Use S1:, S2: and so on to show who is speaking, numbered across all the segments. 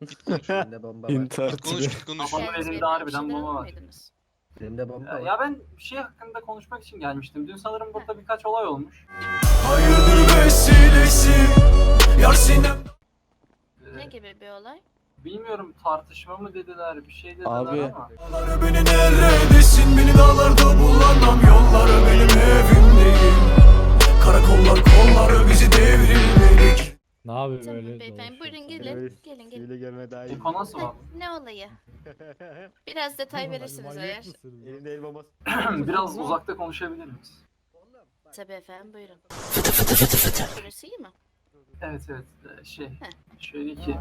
S1: Git konuş.
S2: Elimde bomba var.
S3: İntihar
S1: Git konuş, git konuş.
S4: Kafamın
S5: Geldiniz
S4: elinde
S5: beyefendi,
S4: harbiden
S5: bir şeyler
S4: bomba var.
S5: almaydınız.
S2: Elimde bomba var.
S4: Ya ben bir şey hakkında konuşmak için gelmiştim. Dün sanırım burada birkaç olay olmuş.
S6: Hayırdır vesilesi yar sinem.
S5: Ne gibi bir olay?
S4: Bilmiyorum, tartışma mı dediler, bir şey dediler
S3: Abi.
S4: ama.
S6: Dağları beni neredesin, beni dağlarda bulamam, yolları benim evim değil. Karakollar kolları bizi devrilmedik.
S3: Ne yapayım
S5: Tamam
S3: öyle?
S5: beyefendi, buyurun
S3: dolaşıyorsun?
S5: gelin. Gelin gelin.
S2: Hile gelme daha iyi.
S4: Eko nasıl var?
S5: Ne olayı? Biraz detay verirsiniz
S3: Manyak
S5: eğer.
S3: mısınız ya?
S2: Elimde el bombası.
S4: Biraz uzakta konuşabilir miyiz?
S5: Tabii efendim, buyurun. Burası iyi mi?
S4: Evet şöyle ki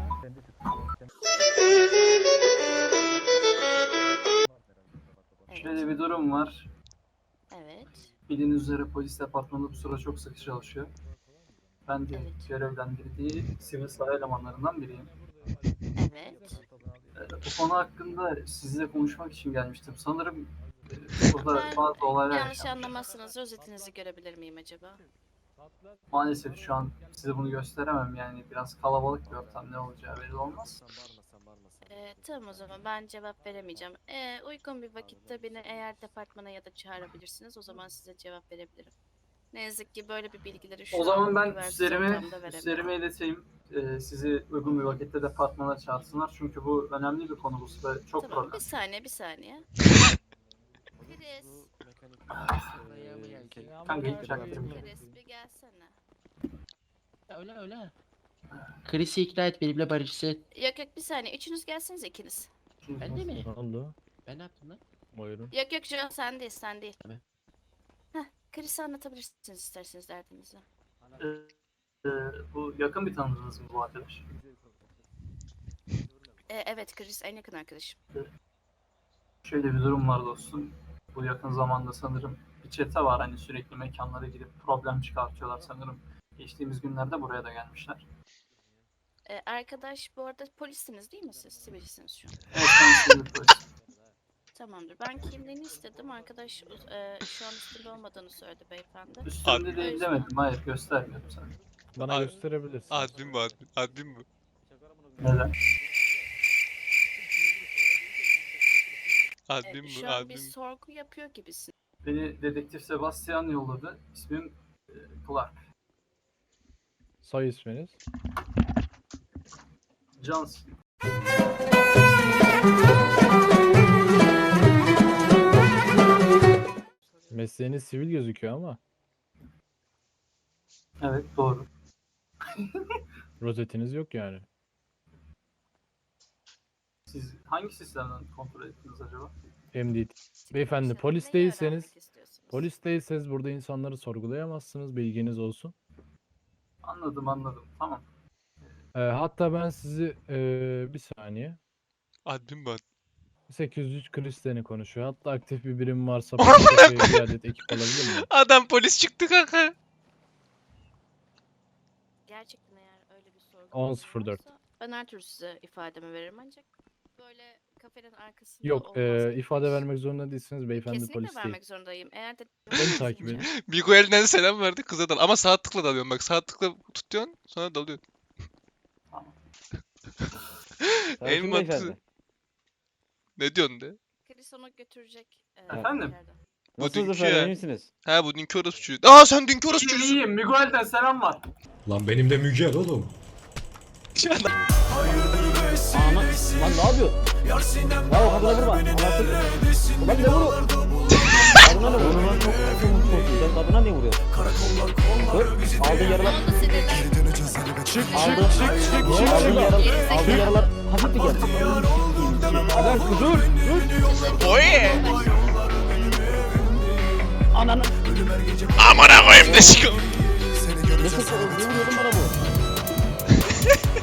S4: şöyle bir durum var.
S5: Evet.
S4: Bildiğiniz üzere polis departmanı bu sıra çok sıkı çalışıyor. Ben de
S5: Evet.
S4: görevlendirdiği sivil saha elemanlarından biriyim.
S5: Evet.
S4: Bu konu hakkında sizinle konuşmak için gelmiştim. Sanırım burada
S5: Ben
S4: bazı olaylar
S5: yanlış
S4: yaşanmış.
S5: anlamazsınız. Rozetinizi görebilir miyim acaba?
S4: Maalesef şu an size bunu gösteremem, yani biraz kalabalık bir ortam, ne olacağı belli olmaz.
S5: Tamam, o zaman ben cevap veremeyeceğim. Uygun bir vakitte beni eğer departmana ya da çağırabilirsiniz, o zaman size cevap verebilirim. Ne yazık ki böyle bir bilgileri şu
S4: O zaman
S5: an
S4: ben
S5: güvensiz
S4: üstlerime
S5: ortamda veremem.
S4: ileteyim. Sizi uygun bir vakitte departmana çağırsınlar. Çünkü bu önemli bir konu, bu sıra çok
S5: Tamam,
S4: problem.
S5: bir saniye. Chris,
S4: Kanka hiç çaktırma.
S5: Chris bir gelsene.
S1: Öyle. Chris'i ikna et benimle barışsın.
S5: Yok bir saniye, üçünüz gelseniz ikiniz.
S1: Ben de mi?
S3: Ne oldu?
S1: Ben ne yaptım lan?
S3: Buyurun.
S5: Yok John, sen değil.
S1: Tabii.
S5: Chris'e anlatabilirsiniz isterseniz derdinizi.
S4: Bu yakın bir tanıdığınız mı bu arkadaş?
S5: Evet, Chris en yakın arkadaşım.
S4: Şöyle bir durum var dostum. Bu yakın zamanda sanırım bir çete var, hani sürekli mekanlara gidip problem çıkartıyorlar sanırım. Geçtiğimiz günlerde buraya da gelmişler.
S5: Arkadaş bu arada polissiniz değil mi siz? Sivilsiniz şu an.
S4: Evet, ben sivil polisim.
S5: Tamamdır. Ben kimliğini istedim. Arkadaş şu an üstünde olmadığını söyledi beyefendi.
S4: Üstümde değil demedim, hayır göstermiyorum sana.
S3: Bana
S1: Ad-
S3: gösterebilirsin.
S1: Admin bu admin. Admin bu.
S4: Neden?
S1: Admin bu
S5: Şu an bir
S1: admin.
S5: sorgu yapıyor gibisin.
S4: Beni dedektif Sebastian yolladı. İsmim Clark.
S3: Soy isminiz?
S4: Johnson.
S3: Mesleğiniz sivil gözüküyor ama
S4: Evet, doğru.
S3: rozetiniz yok yani.
S4: Siz hangi sistemden kontrol ettiniz acaba?
S3: MDT. Beyefendi
S5: Neyi
S3: polis değilseniz,
S5: öğrenmek istiyorsunuz?
S3: polis değilseniz burada insanları sorgulayamazsınız, bilginiz olsun.
S4: Anladım. Tamam.
S3: Hatta ben sizi bir saniye.
S1: Admin bu admin.
S3: 803 Kristen'i konuşuyor. Hatta aktif bir birim varsa polise bir adet ekip alabilir mi?
S1: Adam polis çıktı kanka.
S5: Gerçekten eğer öyle bir sorgu
S3: 10.04.
S5: varsa ben her türlü size ifademi veririm, ancak böyle kafenin arkasında
S3: Yok,
S5: olmaz.
S3: ifade vermek zorunda değilsiniz. Beyefendi
S5: Kesinlikle
S3: polis değil.
S5: vermek zorundayım. Eğer de
S3: Beni takip edin.
S1: Bigo elinden selam verdi kıza dal. Ama sağ tıkla dalıyorsun bak. Sağ tıkla tutuyorsun sonra dalıyorsun. En mantıklı. Ne diyorsun de?
S5: Chris onu götürecek.
S4: Efendim?
S5: içeriden.
S1: Bu
S7: Nasılsınız
S1: dünkü
S7: efendim,
S1: ya.
S7: iyi misiniz?
S1: Ha bu dünkü orospu çocuğu. Aa sen dünkü orospu çocuğusun.
S4: İyiyim. Miguel'den selam var.
S6: Lan benim de Mügel oğlum. Hayırdır
S7: Ana,
S6: vesilesi
S7: lan ne yapıyor?
S6: yar sinem.
S7: Ya o kadına vurma. Anasını.
S6: Neredesin,
S7: Ulan
S6: beni
S7: ne vuruyor?
S6: dağlarda bulamam,
S7: Kadına ne vuruyor lan? Çok sen kadına ne vuruyor?
S6: karakollar kolları bizi
S7: Aldığın
S5: Ne
S7: yaralar.
S5: oldu sinirlen?
S6: Geri döneceğiz elbet.
S7: Aldığın yaralar hafif mi geldi?
S6: Yar oldum demem.
S7: Lan dur.
S1: Oye.
S7: Ananı.
S6: Ölüm her gece
S1: Amına koyayım ne çıkıyor.
S6: seni
S7: Ne
S6: göreceğiz.
S7: vuruyordun bana bu?